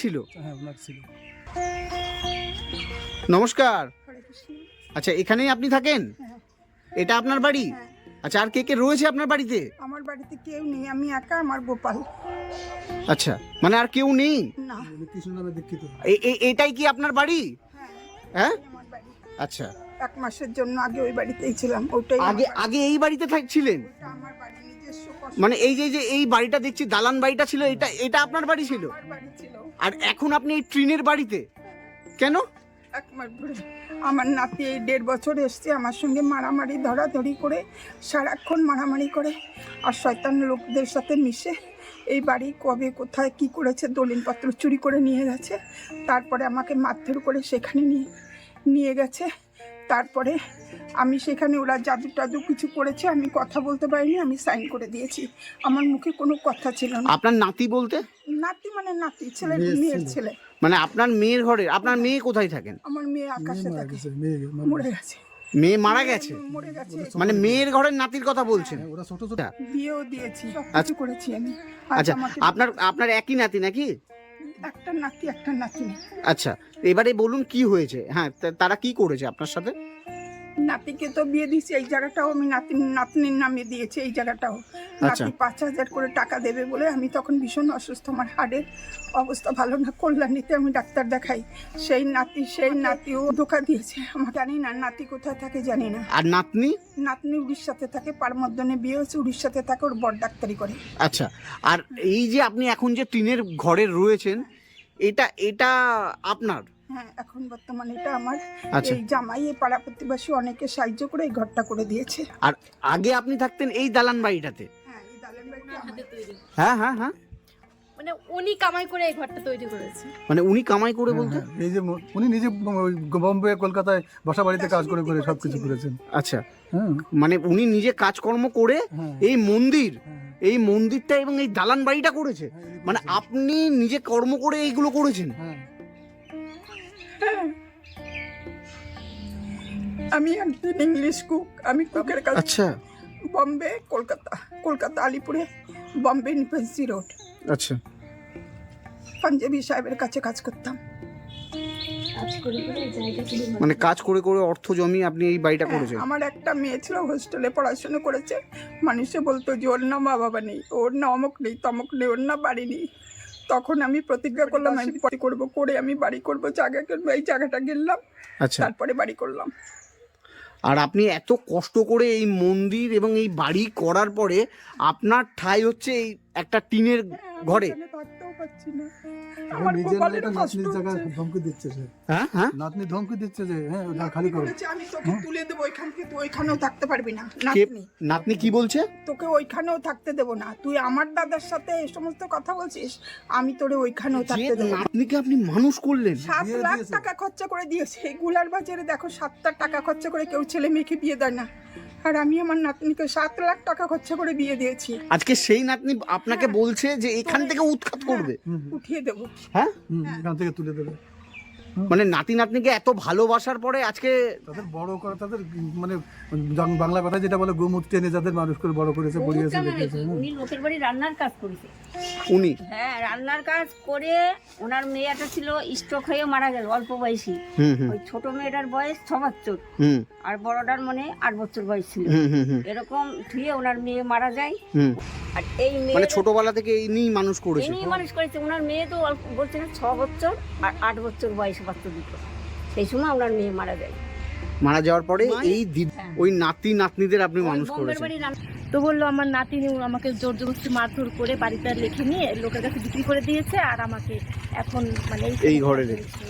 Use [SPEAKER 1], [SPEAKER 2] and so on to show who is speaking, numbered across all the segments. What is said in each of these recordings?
[SPEAKER 1] ছিল?
[SPEAKER 2] হ্যাঁ ওনার ছিল।
[SPEAKER 1] নমস্কার। আচ্ছা, এখানেই আপনি থাকেন? এটা আপনার বাড়ি? আচ্ছা, আর কে কে রয়েছে আপনার বাড়িতে?
[SPEAKER 3] আমার বাড়িতে কেউ নেই, আমি একা, আমার গোপাল।
[SPEAKER 1] আচ্ছা, মানে আর কেউ নেই?
[SPEAKER 3] না।
[SPEAKER 2] কৃষ্ণ নামে দীক্ষিত।
[SPEAKER 1] এটাই কি আপনার বাড়ি? হ্যাঁ,
[SPEAKER 3] আমার বাড়ি।
[SPEAKER 1] আচ্ছা,
[SPEAKER 3] 1 মাসের জন্য আগে ওই বাড়িতেই ছিলাম। ওটাই
[SPEAKER 1] আগে এই বাড়িতে ছিলেন?
[SPEAKER 3] আমার বাড়ি, নিজস্ব কষ্ট।
[SPEAKER 1] মানে এই যে এই বাড়িটা দেখছি, দালান বাড়িটা ছিল, এটা আপনার বাড়ি ছিল?
[SPEAKER 3] আমার বাড়ি ছিল।
[SPEAKER 1] আর এখন আপনি এই ট্রেনের বাড়িতে কেন?
[SPEAKER 3] 1 মাস ধরে আমার নাতি এই 1.5 বছর এসছে আমার সঙ্গে মারামারি ধরাধরি করে, সারাক্ষণ মারামারি করে, আর শয়তান লোকদের সাথে মিশে এই বাড়ি কবে কোথায় কি করেছে, দলিলপত্র চুরি করে নিয়ে গেছে। তারপরে আমাকে মারধর করে সেখানে নিয়ে গেছে। তারপরে আমি সেখানে, ওরা জাদু টাদু কিছু করেছে, আমি কথা বলতে পারিনি, আমি সাইন করে দিয়েছি। আমার মুখে কোনো কথা ছিল না।
[SPEAKER 1] আপনার নাতি বলতে?
[SPEAKER 3] নাতি মানে নাতি, ছেলে, মেয়ের ছেলে।
[SPEAKER 1] মানে আপনার মেয়ের ঘরে? আপনার মেয়ে কোথায় থাকেন?
[SPEAKER 3] আমার মেয়ে আকাশে থাকে, মরে গেছে।
[SPEAKER 1] মেয়ে মারা গেছে?
[SPEAKER 3] মরে গেছে।
[SPEAKER 1] মানে মেয়ের ঘরের নাতির কথা বলছেন?
[SPEAKER 2] ওরা ছোট ছোট।
[SPEAKER 3] বিয়েও দিয়েছি, সবকিছু করেছি আমি।
[SPEAKER 1] আচ্ছা, আপনার একই নাতি নাকি?
[SPEAKER 3] একটা নাতি, একটা নাতি।
[SPEAKER 1] আচ্ছা, এবারে বলুন কি হয়েছে? হ্যাঁ, তারা কি করেছে আপনার সাথে?
[SPEAKER 3] নাতিকে তো বিয়ে দিয়েছি, এই জায়গাটাও আমি নাতনির নামে দিয়েছি, এই জায়গাটাও।
[SPEAKER 1] আচ্ছা।
[SPEAKER 3] নাতি 5,000 করে টাকা দেবে বলে, আমি তখন ভীষণ অসুস্থ, আমার হাড়ের অবস্থা ভালো না, কল্যাণীতে আমি ডাক্তার দেখাই। সেই নাতিও ধোকা দিয়েছে আমার, জানি না নাতি কোথায় থাকে, জানি না।
[SPEAKER 1] আর নাতনি?
[SPEAKER 3] নাতনি উড়িষ্যাতে থাকে, পারমদ্দনে বিয়ে হয়েছে, উড়িষ্যাতে থাকে, ওর বড় ডাক্তারি করে।
[SPEAKER 1] আচ্ছা, আর এই যে আপনি এখন যে টিনের ঘরে রয়েছেন, এটা আপনার?
[SPEAKER 3] হ্যাঁ, এখন বর্তমানে এটা আমার।
[SPEAKER 1] আচ্ছা।
[SPEAKER 3] এই জামাই, এই পাড়া প্রতিবেশী অনেকে সাহায্য করে এই ঘরটা করে দিয়েছে।
[SPEAKER 1] আর আগে আপনি থাকতেন এই দালান বাড়িটাতে?
[SPEAKER 3] হ্যাঁ, এই দালান বাড়িটা আমার।
[SPEAKER 1] হ্যাঁ হ্যাঁ হ্যাঁ,
[SPEAKER 4] মানে উনি কামাই করে এই ঘরটা তৈরি করেছে।
[SPEAKER 1] মানে উনি কামাই করে বলতে?
[SPEAKER 2] এই যে উনি নিজে বোম্বে কলকাতায় বাসা বাড়িতে কাজ করে করে সবকিছু করেছেন।
[SPEAKER 1] আচ্ছা,
[SPEAKER 2] হ্যাঁ
[SPEAKER 1] মানে উনি নিজে কাজকর্ম করে এই মন্দিরটা এবং এই দালান বাড়িটা করেছে? মানে আপনি নিজে কর্ম করে এইগুলো করেছেন?
[SPEAKER 3] আমি একজন ইংলিশ কুক, আমি কুকের কাজ।
[SPEAKER 1] আচ্ছা
[SPEAKER 3] বম্বে, কলকাতা আলিপুরে, বম্বে নিপাসি রোড।
[SPEAKER 1] আচ্ছা,
[SPEAKER 3] পাঞ্জাবি সাহেবের কাছে কাজ করতাম।
[SPEAKER 1] মানে কাজ করে করে অর্থ জমিয়ে আপনি এই বাড়িটা করেছেন?
[SPEAKER 3] আমার একটা মেয়ে ছিল, হোস্টেলে পড়াশোনা করেছে। মানুষে বলতো যে ওর না মা বাবা নেই, ওর না অমুক নেই, তমুক নেই, ওর না বাড়ি নেই। তখন আমি প্রতিজ্ঞা করলাম, আমি বাড়ি করবো, করে আমি বাড়ি করবো, জায়গা কিনবো। এই জায়গাটা কিনলাম,
[SPEAKER 1] আচ্ছা,
[SPEAKER 3] তারপরে বাড়ি করলাম।
[SPEAKER 1] আর আপনি এত কষ্ট করে এই মন্দির এবং এই বাড়ি করার পরে আপনার ঠাঁই হচ্ছে এই একটা টিনের ঘরে?
[SPEAKER 3] এখানে থাকতেও পারছি না।
[SPEAKER 2] আমার
[SPEAKER 3] আমার
[SPEAKER 2] নিজের
[SPEAKER 3] গোপালের
[SPEAKER 2] একটা
[SPEAKER 3] কষ্ট
[SPEAKER 2] নাতনির জায়গা
[SPEAKER 3] হচ্ছে।
[SPEAKER 2] ধমকি দিচ্ছে সে।
[SPEAKER 1] হ্যাঁ হ্যাঁ,
[SPEAKER 2] নাতনি ধমকি দিচ্ছে যে হ্যাঁ ওটা খালি করো।
[SPEAKER 3] বলেছে, আমি তোকে তুলে দেবো ওইখান থেকে, তুই ওইখানেও থাকতে পারবি না।
[SPEAKER 1] কে
[SPEAKER 3] নাতনি,
[SPEAKER 1] নাতনি কি বলছে?
[SPEAKER 3] তোকে ওইখানেও থাকতে দেবো না, তুই আমার দাদার সাথে এই সমস্ত কথা বলছিস, আমি তোরে ওইখানেও
[SPEAKER 1] যে
[SPEAKER 3] থাকতে দেবো না।
[SPEAKER 1] নাতনিকে আপনি মানুষ করলেন?
[SPEAKER 3] 7
[SPEAKER 2] বিয়ে
[SPEAKER 3] লাখ
[SPEAKER 2] দিয়েছে।
[SPEAKER 3] টাকা খরচা করে দিয়েছে। এই গুলার বাজারে দেখো 7 টাকা খরচা করে কেউ ছেলে মেয়েকে বিয়ে দেয় না, আর আমি আমার নাতনিকে 7 লাখ টাকা খরচা করে বিয়ে দিয়েছি।
[SPEAKER 1] আজকে সেই নাতনি আপনাকে বলছে যে এখান থেকে উৎখাত করবে?
[SPEAKER 3] উঠিয়ে দেবো।
[SPEAKER 1] হ্যাঁ,
[SPEAKER 2] এখান থেকে তুলে দেবে।
[SPEAKER 1] মানে নাতনিকে এত ভালোবাসার পরে আজকে
[SPEAKER 2] তাদের বড় করা, তাদের মানে বাংলা কথা যেটা বলে গোমুখ টেনে যাদের মানুষ করে বড় করেছে, পড়িয়েছে, দেখিয়েছে।
[SPEAKER 5] উনি লোকের বাড়ি রান্নার কাজ করেছে।
[SPEAKER 1] উনি?
[SPEAKER 5] হ্যাঁ, রান্নার কাজ করে ওনার মেয়েটা ছিল স্ট্রোক হয়ে মারা গেল অল্প বয়সী। ওই ছোট মেয়েটার বয়স 6 বছর, আর বড়টার মনে 8 বছর বয়স ছিল। এরকম ধুয়ে ওনার মেয়ে মারা যায়। আর এই মেয়ে
[SPEAKER 1] মানে ছোটবেলা থেকে ইনি মানুষ করেছে?
[SPEAKER 5] ইনি মানুষ করেছে। ওনার মেয়ে তো অল্প বলছে না, 6 বছর আর 8 বছর বয়স বাচ্চা দুটো। সেই সময় ওনার মেয়ে মারা যায়।
[SPEAKER 1] মারা যাওয়ার পরে এই ওই নাতনিদের আপনি মানুষ
[SPEAKER 5] বোম্বের
[SPEAKER 1] করেছেন?
[SPEAKER 5] বাড়ি
[SPEAKER 4] তো বললো আমার নাতি আমাকে জোর জবরদস্তি মারধর করে বাড়িটা লিখে নিয়ে লোকের কাছে বিক্রি করে দিয়েছে, আর আমাকে এখন মানে
[SPEAKER 1] এই ঘরে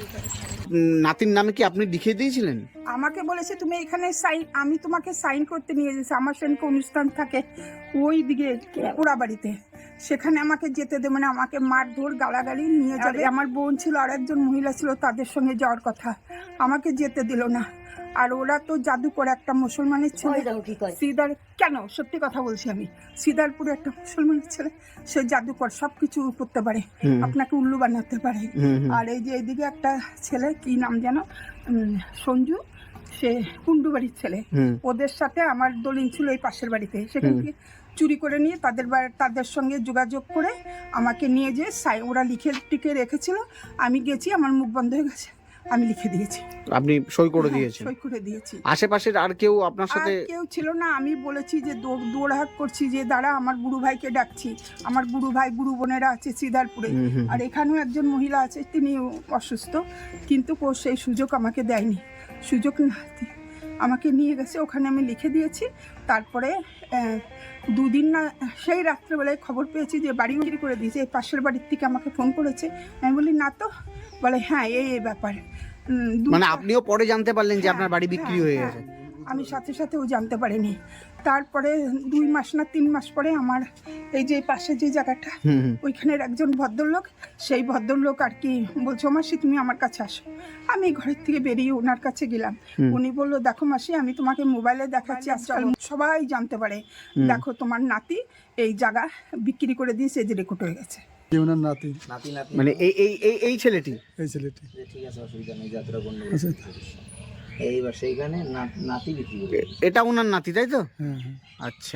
[SPEAKER 1] নাতির নামে কি আপনি লিখে দিয়েছিলেন?
[SPEAKER 3] আমাকে বলেছে তুমি এখানে সাইন, আমি তোমাকে সাইন করতে নিয়ে যেছি। আমার সঙ্গে অনুষ্ঠান থাকে ওই দিকে ওরা বাড়িতে, সেখানে আমাকে যেতে দেবে না, আমাকে মারধর গালাগালি নিয়ে যাবে। আমার বোন ছিল আর একজন মহিলা ছিল, তাদের সঙ্গে যাওয়ার কথা, আমাকে যেতে দিল না। আর ওরা তো জাদু করে, একটা মুসলমানের ছেলে সিদার, কেন সত্যি কথা বলছি আমি, সিদারপুরে একটা মুসলমানের ছেলে, সে জাদুকর, সবকিছু করতে পারে, আপনাকে উল্লু বানাতে পারে। আর এই যে এইদিকে একটা ছেলে, কি নাম যেন, সঞ্জু, সে কুন্ডু বাড়ির ছেলে, ওদের সাথে আমার দলিল ছিল এই পাশের বাড়িতে, সেখান থেকে চুরি করে নিয়ে তাদের সঙ্গে যোগাযোগ করে আমাকে নিয়ে যে ওরা লিখে টিকে রেখেছিল, আমি গেছি, আমার মুখ বন্ধ হয়ে গেছে, আমি লিখে দিয়েছি।
[SPEAKER 1] আপনি সই করে
[SPEAKER 3] হ্যাঁ,
[SPEAKER 1] দিয়েছেন?
[SPEAKER 3] সই করে দিয়েছি।
[SPEAKER 1] আশেপাশের আর কেউ আপনার
[SPEAKER 3] আর
[SPEAKER 1] সাথে?
[SPEAKER 3] কেউ ছিল না। আমি বলেছি যে দৌড়হাট করছি যে দাঁড়া, আমার গুরু ভাইকে ডাকছি। আমার গুরু ভাই গুরু বোনেরা আছে শ্রীদারপুরে, আর এখানেও একজন মহিলা আছে, তিনি অসুস্থ, কিন্তু সেই সুযোগ আমাকে দেয়নি। সুযোগ না দিয়ে আমাকে নিয়ে গেছে, ওখানে আমি লিখে দিয়েছি। তারপরে দুদিন না, সেই রাত্রেবেলায় খবর পেয়েছি যে বাড়ি বিক্রি করে দিয়েছে। এই পাশের বাড়ির থেকে আমাকে ফোন করেছে। আমি বলি না তো, বলে হ্যাঁ এই ব্যাপার।
[SPEAKER 1] মানে আপনিও পরে জানতে পারলেন যে আপনার বাড়ি বিক্রি হয়ে
[SPEAKER 3] হ্যাঁ,
[SPEAKER 1] গেছে?
[SPEAKER 3] আমি সাথে সাথেও জানতে পারিনি। তারপরে 2 মাস না 3 মাস পরে আমার এই যে পাশে যে জায়গাটা, ওইখানের একজন ভদ্রলোক, সেই ভদ্রলোক আর কি বলছো, মাসি তুমি আমার কাছে আসো। আমি ঘরের থেকে বেরিয়ে ওনার কাছে গেলাম। উনি বললো দেখো মাসি, আমি তোমাকে মোবাইলে দেখাচ্ছি, আজকাল সবাই জানতে পারে, দেখো তোমার নাতি এই জায়গা বিক্রি করে দিয়েছে, যে রেকর্ড হয়ে গেছে।
[SPEAKER 2] ওনার নাতি,
[SPEAKER 1] মানে এই এই এই এই ছেলেটি?
[SPEAKER 2] এই ছেলেটি।
[SPEAKER 6] ঠিক আছে, অসুবিধা নেই, যাত্রা বন্ধ।
[SPEAKER 2] আচ্ছা।
[SPEAKER 6] এইবার সেইখানে নাতি বিক্রি করে।
[SPEAKER 1] এটা ওনার নাতি, তাই তো?
[SPEAKER 2] হ্যাঁ হ্যাঁ।
[SPEAKER 1] আচ্ছা,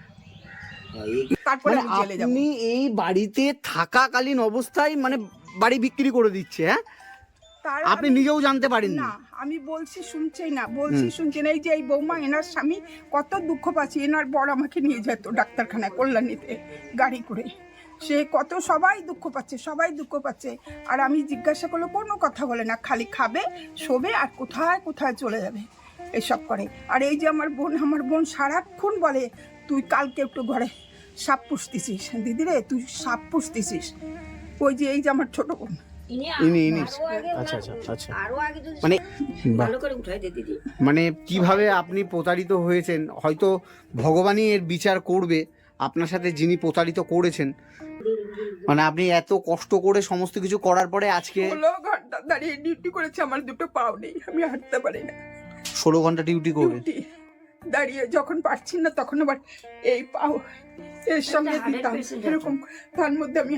[SPEAKER 3] তারপরে
[SPEAKER 1] মানে
[SPEAKER 3] আমি জেলে যাব।
[SPEAKER 1] আপনি এই বাড়িতে থাকাকালীন অবস্থায় মানে বাড়ি বিক্রি করে দিচ্ছে? হ্যাঁ,
[SPEAKER 3] তার
[SPEAKER 1] আপনি
[SPEAKER 3] আমি-
[SPEAKER 1] নিজেও জানতে পারেননি?
[SPEAKER 3] না, আমি বলছি শুনছেই না, বলছি শুনছি না। এই যে এই বৌমা, এনার স্বামী কত দুঃখ পাচ্ছে। এনার বর আমাকে নিয়ে যেত ডাক্তারখানায় কল্যাণীতে গাড়ি করে, সে কত, সবাই দুঃখ পাচ্ছে, সবাই দুঃখ পাচ্ছে। আর আমি জিজ্ঞাসা করলে কোনো কথা বলে না, খালি খাবে, শোবে, আর কোথায় কোথায় চলে যাবে এসব করে। আর এই যে আমার বোন সারাক্ষণ বলে তুই কালকে একটু ঘরে সাপ পুষতেছিস, দিদি রে তুই সাপ পুষতেছিস। ওই যে এই যে আমার ছোট বোন,
[SPEAKER 1] ইনি আচ্ছা আচ্ছা আচ্ছা।
[SPEAKER 5] আরো আগে যদি
[SPEAKER 1] মানে
[SPEAKER 5] ভালো করে উঠাই দে দিদি।
[SPEAKER 1] মানে কিভাবে আপনি প্রতারিত হয়েছেন, হয়তো ভগবানই এর বিচার করবে আপনার সাথে যিনি প্রতারিত করেছেন। মানে আপনি এত কষ্ট করে সমস্ত কিছু করার পরে আজকে
[SPEAKER 3] 16 ঘন্টা দাঁড়িয়ে ডিউটি করেছে, আমার দুটো পাও নেই, আমি হাঁটতে পারি না।
[SPEAKER 1] 16 ঘন্টা ডিউটি করে
[SPEAKER 3] ডিউটি দাঁড়িয়ে যখন পারছি না, তখন আবার এই পাও এর সঙ্গে দিতাম এরকম। তার মধ্যে আমি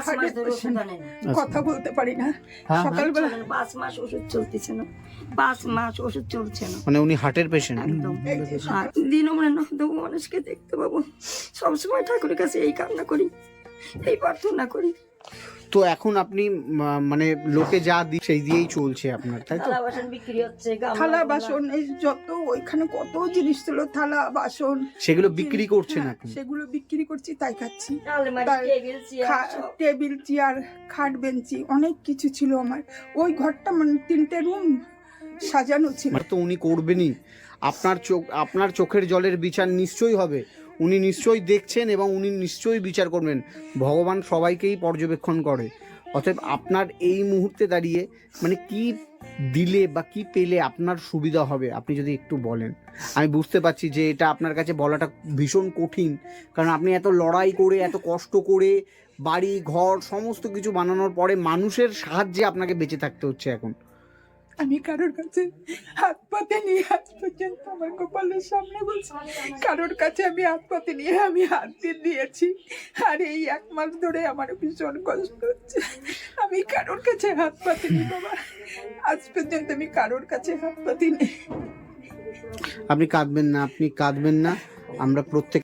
[SPEAKER 3] কথা বলতে পারি না। সকালবেলা
[SPEAKER 5] 5 মাস ওষুধ চলতেছে না, 5 মাস ওষুধ চলছে না
[SPEAKER 1] মানে উনি হার্টের পেশেন্ট?
[SPEAKER 5] একদম। আর দিনও মানে নতুন মানুষকে দেখতে পাবো, সবসময় ঠাকুরের কাছে এই কান্না করি, এই প্রার্থনা করি।
[SPEAKER 1] তো এখন আপনি মানে লোকে যা দি সেই দিয়েই চলছে আপনার, তাই তো?
[SPEAKER 5] থালা বাসন বিক্রি হচ্ছে,
[SPEAKER 3] থালা বাসন, এই যত ওইখানে কত জিনিস ছিল, থালা বাসন,
[SPEAKER 1] সেগুলো বিক্রি করছেন
[SPEAKER 3] হ্যাঁ,
[SPEAKER 1] আপনি?
[SPEAKER 3] সেগুলো বিক্রি করছি, তাই খাচ্ছি।
[SPEAKER 5] আলমারি,
[SPEAKER 3] তার
[SPEAKER 5] টেবিল, চেয়ার সব।
[SPEAKER 3] টেবিল চেয়ার, খাট বেঞ্চি, অনেক কিছু ছিল আমার। ওই ঘরটা মানে 3টে রুম সাজানো ছিল।
[SPEAKER 1] মানে তো উনি করবেনই, আপনার চোখের জলের বিচার নিশ্চয়ই হবে। উনি নিশ্চয়ই দেখছেন এবং উনি নিশ্চয়ই বিচার করবেন। ভগবান সবাইকেই পর্যবেক্ষণ করে। অতএব আপনার এই মুহূর্তে দাঁড়িয়ে মানে কি দিলে বা কি পেলে আপনার সুবিধা হবে, আপনি যদি একটু বলেন। আমি বুঝতে পারছি যে এটা আপনার কাছে বলাটা ভীষণ কঠিন, কারণ আপনি এত লড়াই করে, এত কষ্ট করে বাড়ি ঘর সমস্ত কিছু বানানোর পরে মানুষের সাহায্যে আপনাকে বেঁচে থাকতে হচ্ছে এখন।
[SPEAKER 3] আমি কারোর কাছে হাত পাতে নিয়ে আজ পর্যন্ত আমার কপালের সামনে বলছি, কারোর কাছে আমি হাত পাতে নিয়ে আমি হাত দিয়ে দিয়েছি। আর এই 1 মাস ধরে আমার ভীষণ কষ্ট হচ্ছে। আমি কারোর কাছে হাত পাতে নি বাবা, আজ পর্যন্ত আমি কারোর কাছে হাত পাতি নেই।
[SPEAKER 1] আপনি কাঁদবেন না, আপনি কাঁদবেন না। আমরা প্রত্যেক